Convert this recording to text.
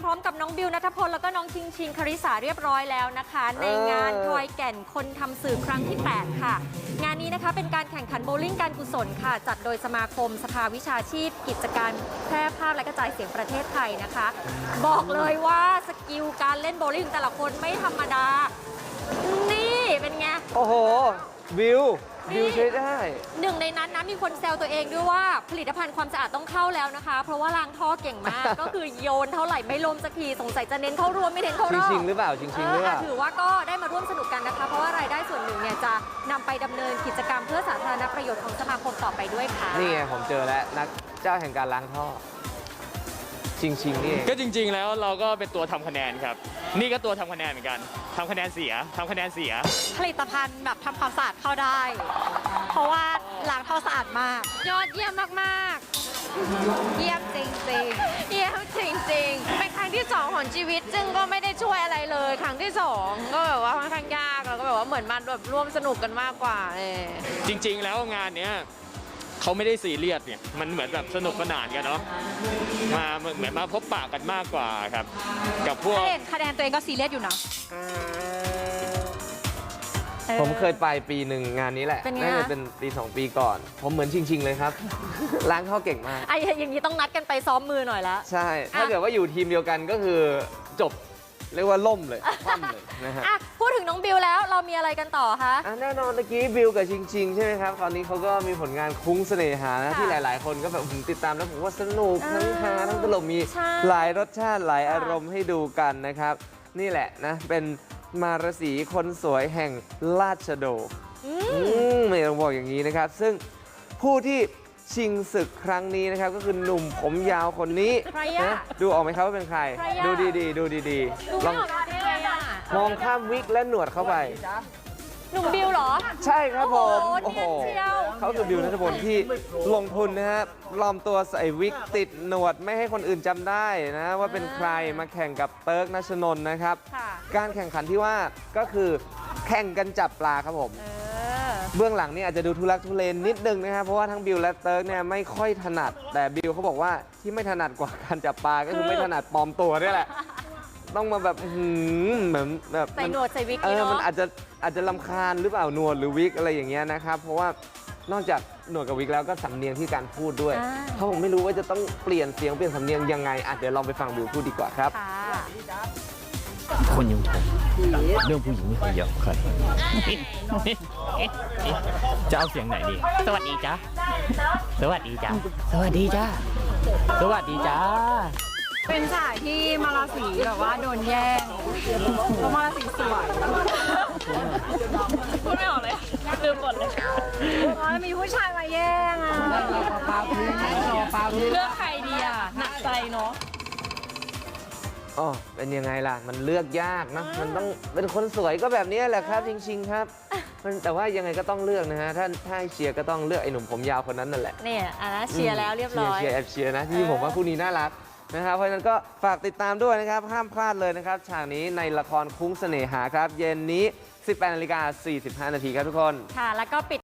ร้อมกับน้องบิวณัฐพลแล้วก็น้องชิงชิงคริสาเรียบร้อยแล้วนะคะในงานทอยแก่นคนทำสื่อครั้งที่ 8 ค่ะงานนี้นะคะเป็นการแข่งขันโบว์ลิ่งการกุศลค่ะจัดโดยสมาคมสภาวิชาชีพกิจการแพร่ภาพและกระจายเสียงประเทศไทยนะคะบอกเลยว่าสกิลการเล่นโบว์ลิ่งแต่ละคนไม่ธรรมดานี่เป็นไงโอ้โหบิวใช้ได้หนึ่งในนั้นนะมีคนแซวตัวเองด้วยว่าผลิตภัณฑ์ความสะอาดต้องเข้าแล้วนะคะเพราะว่าล้างท่อเก่งมาก ก็คือโยนเท่าไหร่ไม่ล้มสักทีสงสัยจะเน้นเข้ารวมไม่เน้นเข้ารอบชิงหรือเปล่าชิงหรือเปล่าถือว่าก็ได้มาร่วมสนุกกันนะคะเพราะว่ารายได้ส่วนหนึ่งเนี่ยจะนำไปดำเนินกิจกรรมเพื่อสาธารณประโยชน์ของสมาคมต่อไปด้วยค่ะนี่ไงผมเจอแล้วนักเจ้าแห่งการล้างท่อชิงนี่ก็จริงๆแล้วเราก็เป็นตัวทำคะแนนครับนี่ก็ตัวทำคะแนนเหมือนกันทำคะแนนเสียผลิตภัณฑ์แบบทำความสะอาดเข้าได้เพราะว่าล้างท่อสะอาดมากยอดเยี่ยมมากเยี่ยมจริงๆเยี่ยมจริงๆเป็นครั้งที่2ของชีวิตซึ่งก็ไม่ได้ช่วยอะไรเลยครั้งที่2ก็แบบว่าค่อนข้างยากแล้วก็แบบว่าเหมือนมันแบบร่วมสนุกกันมากกว่าจริงๆแล้วงานเนี้ยเขาไม่ได้ซีเรียสเนี่ยมันเหมือนแบบสนุกสนานกันเนาะเหมือนมาพบปะกันมากกว่าครับกับพวกคะแนนตัวเองก็ซีเรียสอยู่นะผมเคยไปปีหนึ่งงานนี้แหละน่าจะเป็นปี2 ปีก่อนผมเหมือนชิงเลยครับล้างท่อเก่งมากไอ้อย่างนี้ต้องนัดกันไปซ้อมมือหน่อยละใช่ถ้าเกิดว่าอยู่ทีมเดียวกันก็คือจบเรียกว่าล่มเลยคว่ำเลยนะฮะพูดถึงน้องบิวแล้วเรามีอะไรกันต่อคะแน่นอนเมื่อกี้บิวกับชิงใช่ไหมครับตอนนี้เขาก็มีผลงานคุ้งเสน่หานะที่หลายๆคนก็แบบติดตามแล้วผมว่าสนุกทั้งฮาทั้งตลกมีหลายรสชาติหลายอารมณ์ให้ดูกันนะครับนี่แหละนะเป็นมารสีคนสวยแห่งราชโดไม่ต้องบอกอย่างนี้นะครับซึ่งผู้ที่ชิงศึกครั้งนี้นะครับก็คือหนุ่มผมยาวคนนี้นะดูออกไหมครับว่าเป็นใครดูดีลองมองข้ามวิกและหนวดเข้าไปหนุ่มบิวเหรอใช่ครับผมโอ้โหเขาคือบิวณัฐพลที่ลงทุนนะฮะปลอมตัวใส่วิกติดหนวดไม่ให้คนอื่นจำได้นะว่าเป็นใครมาแข่งกับเติร์กณชนนท์นะครับการแข่งขันที่ว่าก็คือแข่งกันจับปลาครับผมเบื้องหลังนี่อาจจะดูทุลักทุเลนิดนึงนะครับเพราะว่าทั้งบิวและเติร์กเนี่ยไม่ค่อยถนัดแต่บิวเขาบอกว่าที่ไม่ถนัดกว่าการจับปลาก็คือไม่ถนัดปลอมตัวนี่แหละต้องมาแบบเหมือนแบบใส่หนวดใส่วิกมันอาจจะรำคาญหรือเปล่าหนวดหรือวิกอะไรอย่างเงี้ยนะครับเพราะว่านอกจากหนวดกับวิกแล้วก็สำเนียงที่การพูดด้วยเขาผมไม่รู้ว่าจะต้องเปลี่ยนเสียงเปลี่ยนสำเนียงยังไงเดี๋ยวลองไปฟังบิวพูดดีกว่าครับคนอยังผมเรื่องผู้หญิงไม่เคยยอมใครจะเอาเสียงไหนดีสวัสดีจ้าสวัสดีจ้าสวัสดีจ้าสวัสดีจ้าเป็นสายที่มาราศีแบบว่าโดนแย่งเพราะมาราศีสวยพูดไม่ออกเลยลืมหมดเลยมีผู้ชายมาแย่งอ่ะเลือกใครดีอ่ะหนักใจเนาะอ๋อเป็นยังไงล่ะมันเลือกยากนะมันต้องเป็นคนสวยก็แบบนี้แหละครับจริงๆครับแต่ว่ายังไงก็ต้องเลือกนะฮะถ้าเชียร์ก็ต้องเลือกไอ้หนุ่มผมยาวคนนั้นนั่นแหละเนี่ยเชียร์แล้วเรียบร้อยเชียร์นะที่ผมว่าคู่นี้น่ารักนะครับเพราะฉะนั้นก็ฝากติดตามด้วยนะครับห้ามพลาดเลยนะครับฉากนี้ในละครคุ้งเสน่หาครับเย็นนี้ 18:45 น.ครับทุกคนค่ะแล้วก็ปิด